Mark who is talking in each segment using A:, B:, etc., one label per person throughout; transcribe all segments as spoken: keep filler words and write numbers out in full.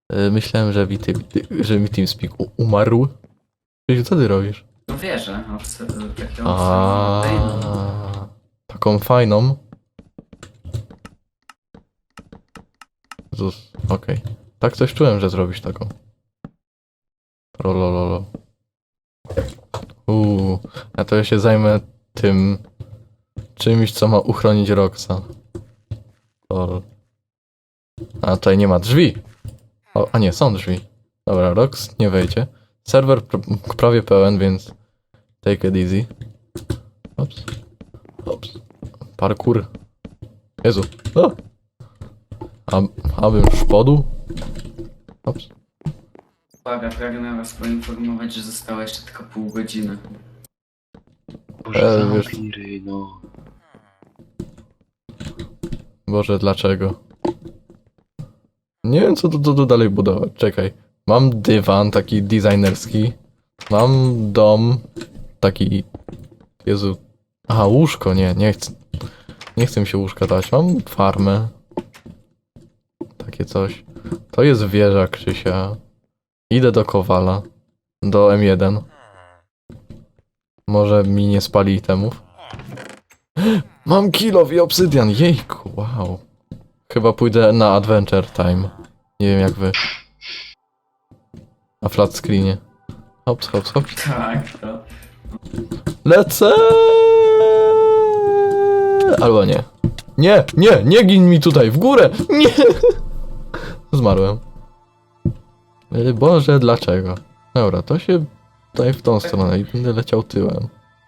A: E, myślałem, że mi, ty, ty, że mi TeamSpeak u- umarł. Czyli co ty robisz?
B: No wierzę, obs- takiego obserwacyjnego.
A: A, taką fajną. Jezus, okej. Tak coś czułem, że zrobisz taką. Rolololo. Uuu, a to ja się zajmę tym czymś, co ma uchronić Roxa. Lol. A tutaj nie ma drzwi. O, a nie, są drzwi. Dobra, Rox nie wejdzie. Serwer pr- prawie pełen, więc take it easy. Ops. Ops. Parkour. Jezu. O! A, abym szpodu? Ops.
B: Uwaga, pragnę was poinformować, że zostało jeszcze tylko pół godziny.
C: Boże,
A: E, wiesz-
C: zamknij ryj, no.
A: Boże, dlaczego? Nie wiem, co tu, tu, tu dalej budować. Czekaj. Mam dywan taki designerski. Mam dom taki... Jezu. Aha, łóżko, nie, nie chcę. Nie chcę mi się łóżka dać. Mam farmę. Takie coś. To jest wieża Krzysia. Idę do Kowala. Do M jeden. Może mi nie spali itemów. Mam kilof i obsydian. Jejku, wow. Chyba pójdę na Adventure Time. Nie wiem jak wy. Na flat screenie. Hops, hops, hops.
B: Tak, to.
A: Lecę! Albo nie. Nie, nie, nie gin mi tutaj, w górę! Nie! Zmarłem. Y, Boże, dlaczego? Dobra, to się tutaj w tą stronę i będę leciał tyłem.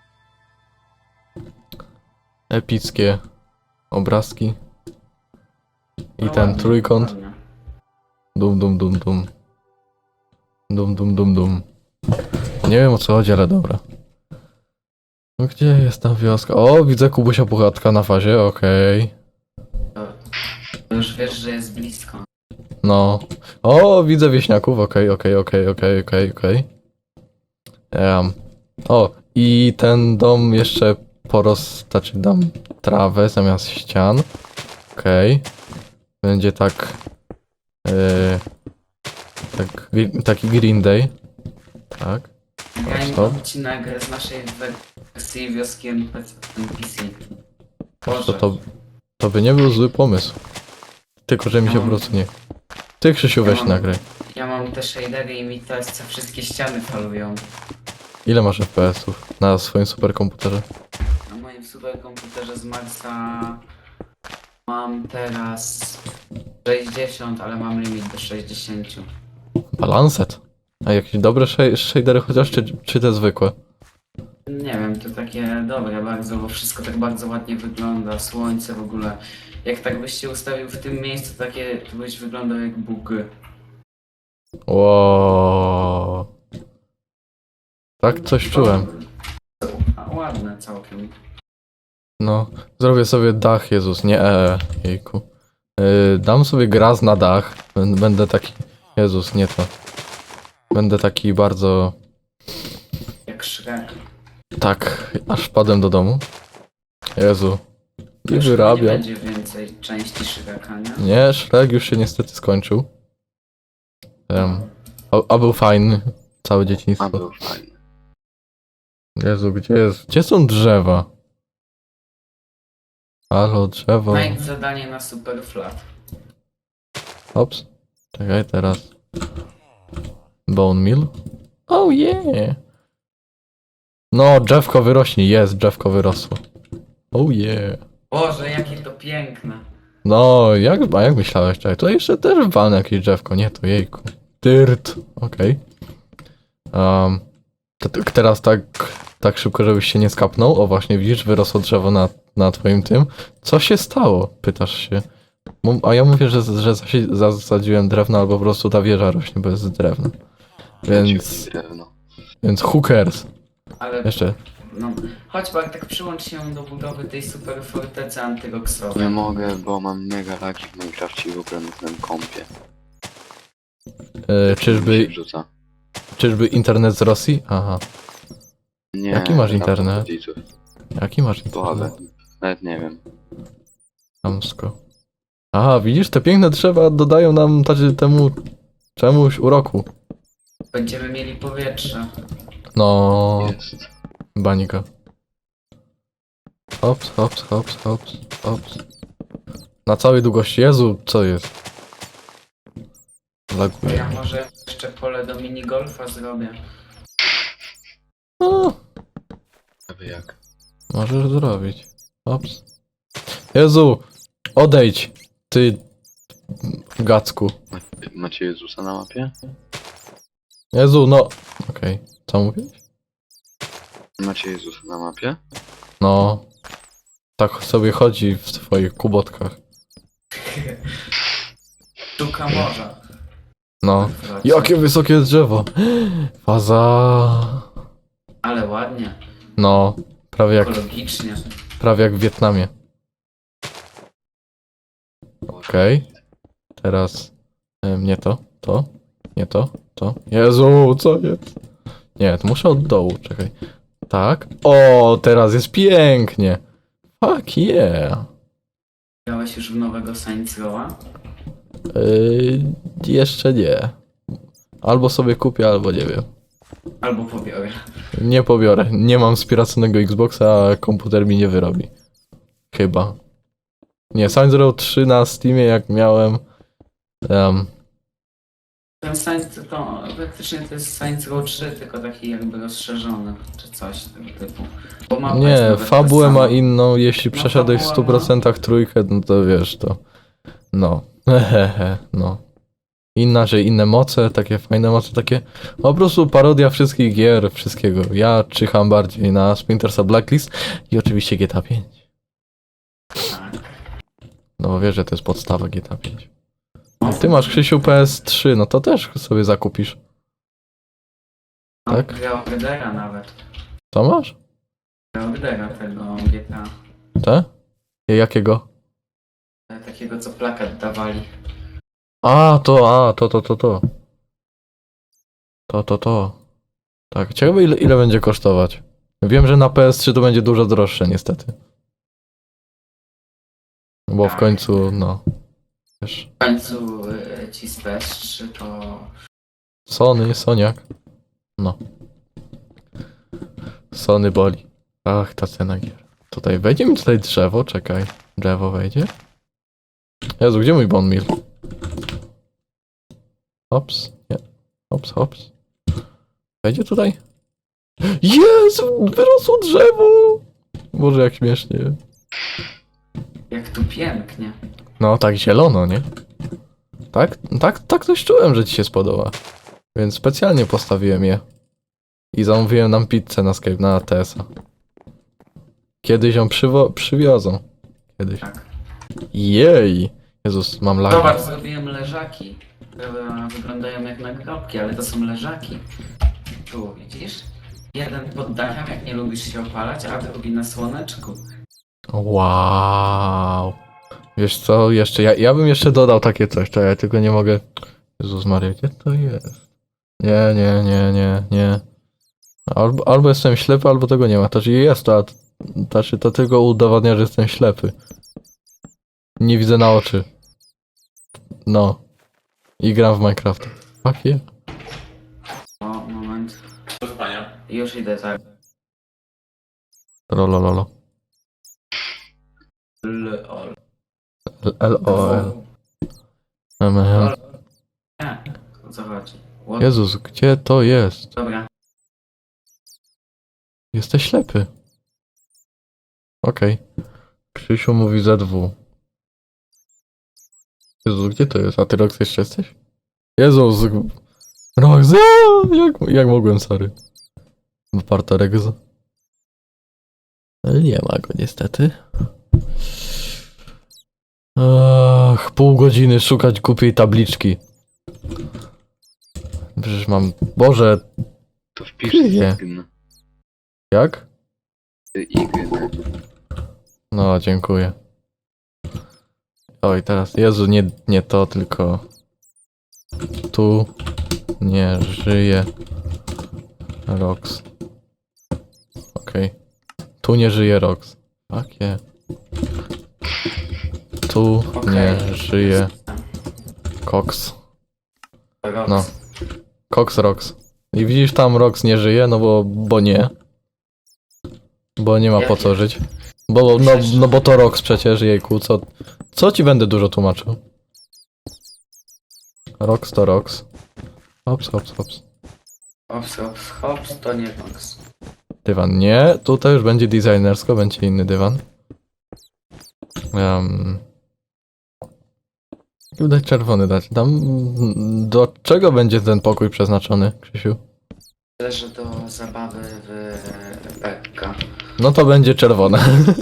A: Epickie obrazki. I
B: No
A: ten
B: ładnie,
A: trójkąt.
B: ładnie.
A: Dum, dum, dum, dum. Dum, dum, dum, dum. Nie wiem o co chodzi, ale dobra. No gdzie jest ta wioska? O, widzę Kubusia Puchatka na fazie, okej.
B: To już wiesz, że jest blisko.
A: No. O, widzę wieśniaków, okej, okej, okej, okej, okej, okej. Em. O, i ten dom jeszcze poros... Znaczy dam trawę zamiast ścian. Okej. Będzie tak... Yy, tak, gri- taki Green Day. Tak.
B: Ja
A: stop.
B: nie odcinek z naszej wersji wioski N P C.
A: To,
B: Boże.
A: to, to by nie był zły pomysł. Tylko, że mi się po prostu nie... Ty, Krzysiu, weź
B: Ja mam-
A: nagraj.
B: Ja mam te shadery i mi teraz co wszystkie ściany falują.
A: Ile masz F P S-ów na swoim superkomputerze?
B: Na moim superkomputerze z Marsa mam teraz sześćdziesiąt, ale mam limit do sześćdziesięciu.
A: Balanset. A jakieś dobre sh- shadery chociaż, czy, czy te zwykłe?
B: Nie wiem, to takie dobre bardzo, bo wszystko tak bardzo ładnie wygląda, słońce w ogóle. Jak tak byś się ustawił w tym miejscu, takie, to byś wyglądał jak Bóg.
A: Wow. Tak coś czułem.
B: A, ładne całkiem.
A: No, zrobię sobie dach, Jezus, nie e, jejku. Yy, dam sobie graz na dach. Bę- Będę taki... Jezus, nie to. Będę taki bardzo...
B: Jak Shrek.
A: Tak, aż wpadłem do domu. Jezu. I
B: Już chyba nie
A: wyrabiam.
B: będzie więcej części Shreka, nie?
A: Nie, Shrek już się niestety skończył. Um, a, a był fajny. Całe
C: A
A: dzieciństwo.
C: był fajny.
A: Jezu, gdzie jest? Gdzie są drzewa? Halo, drzewo.
B: Znajdź zadanie na super flat.
A: Ops. Czekaj, teraz. Bone meal? Oh yeah! No, drzewko wyrośnie. Jest, drzewko wyrosło. Oh yeah.
B: Boże, jakie to piękne.
A: No, jak, a jak myślałeś? Czekaj, tutaj jeszcze też walnę jakieś drzewko. Nie, to jejku. Dyrt. Okej. Um, to, to teraz tak, tak szybko, żebyś się nie skapnął. O, właśnie widzisz, wyrosło drzewo na, na twoim tym. Co się stało? Pytasz się. Mów- A ja mówię, że, że zasi- zasadziłem drewno, albo po prostu ta wieża rośnie bez drewna. Więc,
C: Drewno.
A: więc who cares?
B: Ale
A: Jeszcze.
B: no, chodź Bartek, przyłącz się do budowy tej super fortecy antyroksowej.
C: Nie mogę, bo mam mega lagi w Minecrafcie i w ogóle na tym kompie.
A: E,
C: Mi
A: czyżby,
C: się wrzuca.
A: czyżby internet z Rosji? Aha.
C: Nie,
A: Jaki masz
C: tam
A: internet?
C: rodziców.
A: Jaki masz
C: Słabe.
A: internet?
C: Nawet nie wiem.
A: Chamsko. Aha, widzisz, te piękne drzewa dodają nam tacy temu Czemuś uroku.
B: Będziemy mieli powietrze.
A: No,
C: Jest.
A: banika. Hops, hops, hops, hops, hops. Na całej długości. Jezu, co jest?
B: To
A: Laguje.
B: ja może jeszcze pole do minigolfa zrobię.
A: No,
C: A wy jak?
A: możesz zrobić. Hops. Jezu, odejdź, ty gacku.
C: Macie, macie Jezusa na mapie?
A: Jezu, no. Okej, co mówisz?
C: Macie Jezusa na mapie?
A: No. Tak sobie chodzi w swoich kubotkach.
B: Sztuka morza.
A: No. Jakie wysokie drzewo. Faza.
B: Ale ładnie.
A: No. Prawie jak,
B: Ekologicznie.
A: prawie jak w Wietnamie. Okej. Teraz em, nie to, to, nie to, to. Jezu, co jest? Nie, to muszę od dołu, czekaj. Tak. O, teraz jest pięknie. Fuck yeah.
B: Grałeś już w nowego Saints Row'a?
A: Yy, jeszcze nie. Albo sobie kupię, albo nie wiem.
B: Albo pobiorę.
A: Nie pobiorę. Nie mam wspieranego Xboxa, a komputer mi nie wyrobi. Chyba. Nie, Saints Row trzy na Steamie jak miałem. Um,
B: Ten Saints to praktycznie to jest Saints Row trzy, tylko taki jakby rozszerzony, czy coś tego typu. Bo mapa jest
A: nie,
B: nawet ta
A: fabułę ma
B: sama.
A: inną. Jeśli
B: No,
A: przeszedłeś w
B: fabuła
A: stu procentach trójkę, no to wiesz to. No. Hehehe, no. Inaczej, inne moce, takie fajne moce, takie po prostu parodia wszystkich gier, wszystkiego. Ja czyham bardziej na Splinter Cell Blacklist i oczywiście G T A pięć.
B: Tak.
A: No bo wiesz, że to jest podstawa G T A pięć.
B: No,
A: Ty masz, Krzysiu, P S trzy, no to też sobie zakupisz. tak?
B: Geodera nawet.
A: Co masz?
B: Geodera tego G T A.
A: Te? Jakiego?
B: Takiego co plakat dawali.
A: A, to, a, to, to, to, to. To, to, to. Tak, ciekawe ile, ile będzie kosztować. Wiem, że na P S trzy to będzie dużo droższe niestety. Bo w
B: Tak.
A: końcu, no. Wiesz,
B: W końcu y, ci z P S trzy to...
A: Sony, Soniak. No. Sony boli. Ach, ta cena gier. Tutaj wejdzie mi tutaj drzewo, czekaj. Drzewo wejdzie? Jezu, gdzie mój bone meal? Hops, nie. Hops, hops. Wejdzie tutaj? Jezu, wyrosło drzewo! Boże, jak śmiesznie.
B: Jak tu pięknie.
A: No, tak zielono, nie? Tak, tak, tak coś czułem, że ci się spodoba. Więc specjalnie postawiłem je. I zamówiłem nam pizzę na Skype, na T S a. Kiedyś ją przywo- przywiozą. Kiedyś.
B: Tak.
A: Jej! Jezus, mam lagi.
B: Zobacz, zrobiłem leżaki. Które wyglądają jak nagrobki, ale to są leżaki. Tu, widzisz? Jeden pod dachem, jak nie lubisz się opalać, a drugi na słoneczku.
A: Wow. Wiesz co, jeszcze, ja, ja bym jeszcze dodał takie coś, to ja tylko nie mogę... Jezus Maria, gdzie to jest? Nie, nie, nie, nie, nie. Albo, albo jestem ślepy, albo tego nie ma. To znaczy jest to, a to znaczy to tylko udowadnia, że jestem ślepy. Nie widzę na oczy. No. I gram w Minecraft. Fuck yeah.
B: O, moment. Już idę, tak.
A: Lolololo.
B: Lol.
A: L O L. M M.
B: Nie, o co chodzi? What?
A: Jezus, gdzie to jest?
B: Dobra.
A: Jesteś ślepy. Okej. Krzysiu mówi Z W. Jezus, gdzie to jest? A ty Rox jeszcze jesteś? Jezus! Rox! Jak, jak mogłem, sorry. Wyparta Rex. Ale nie ma go niestety. Ach, pół godziny szukać głupiej tabliczki. Przecież mam... Boże,
C: To wpisz
A: Nie.
C: Ign.
A: jak?
C: Ign.
A: No, dziękuję. Oj, teraz, Jezu, nie, nie to, tylko... Tu nie żyje Rox. Okej. Tu nie żyje Rox. Fuck yeah. Tu
B: Okej.
A: nie żyje Cox.
B: Rox.
A: No. Cox Rox. I widzisz, tam Rox nie żyje, no bo, bo nie. Bo nie ma po co żyć. Bo, no, no bo to Rox przecież, jejku, co, co ci będę dużo tłumaczył? Rox to Rox. Hops, hops, hops.
B: Hops, hops, hops, to nie Rox.
A: Dywan nie, tutaj już będzie designersko, będzie inny dywan. Um, dać czerwony dać. Tam, do czego będzie ten pokój przeznaczony, Krzysiu?
B: Leży do zabawy w Bekka.
A: No to będzie czerwone.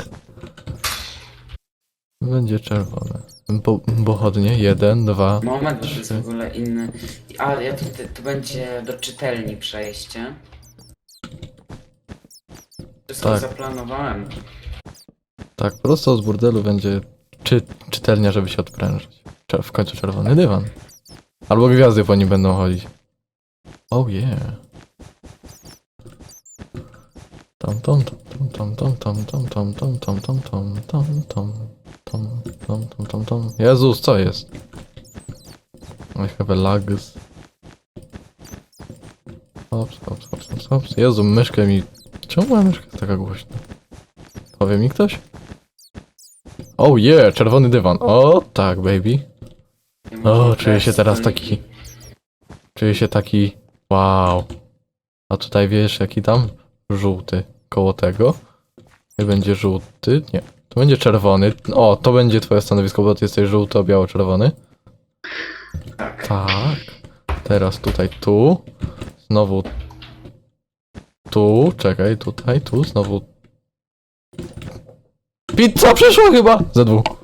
A: Będzie czerwone. Bo, pochodnie, jeden, dwa.
B: Moment, to jest w ogóle inny. A, ja tu, tu będzie do czytelni przejście. Wszystko
A: Tak.
B: zaplanowałem.
A: Tak, prosto z burdelu będzie czy, czytelnia, żeby się odprężyć. Czer- w końcu czerwony dywan. Albo gwiazdy po nim będą chodzić. Oh yeah. Tom tom tom tom tom tom tom tom tom tom tom tom tom tom tom tom tom tom. Jezus, co jest? I have a lags. Hops, hops, hops, hops, hops. Jezu, myszkę mi... Czemu moja myszka jest taka głośna? Powie mi ktoś? Oh yeah, czerwony dywan. O tak, baby.
B: Nie
A: O,
B: można
A: czuję się
B: grać
A: teraz
B: stoliki.
A: taki... Czuję się taki... Wow. A tutaj wiesz, jaki tam? Żółty. Koło tego. I będzie żółty. Nie. To będzie czerwony. O, to będzie twoje stanowisko, bo ty jesteś żółto-biało-czerwony.
B: Tak.
A: Tak. Teraz tutaj tu. Znowu tu. Czekaj, tutaj, tu. Znowu... Pizza przyszła chyba! Ze dwóch.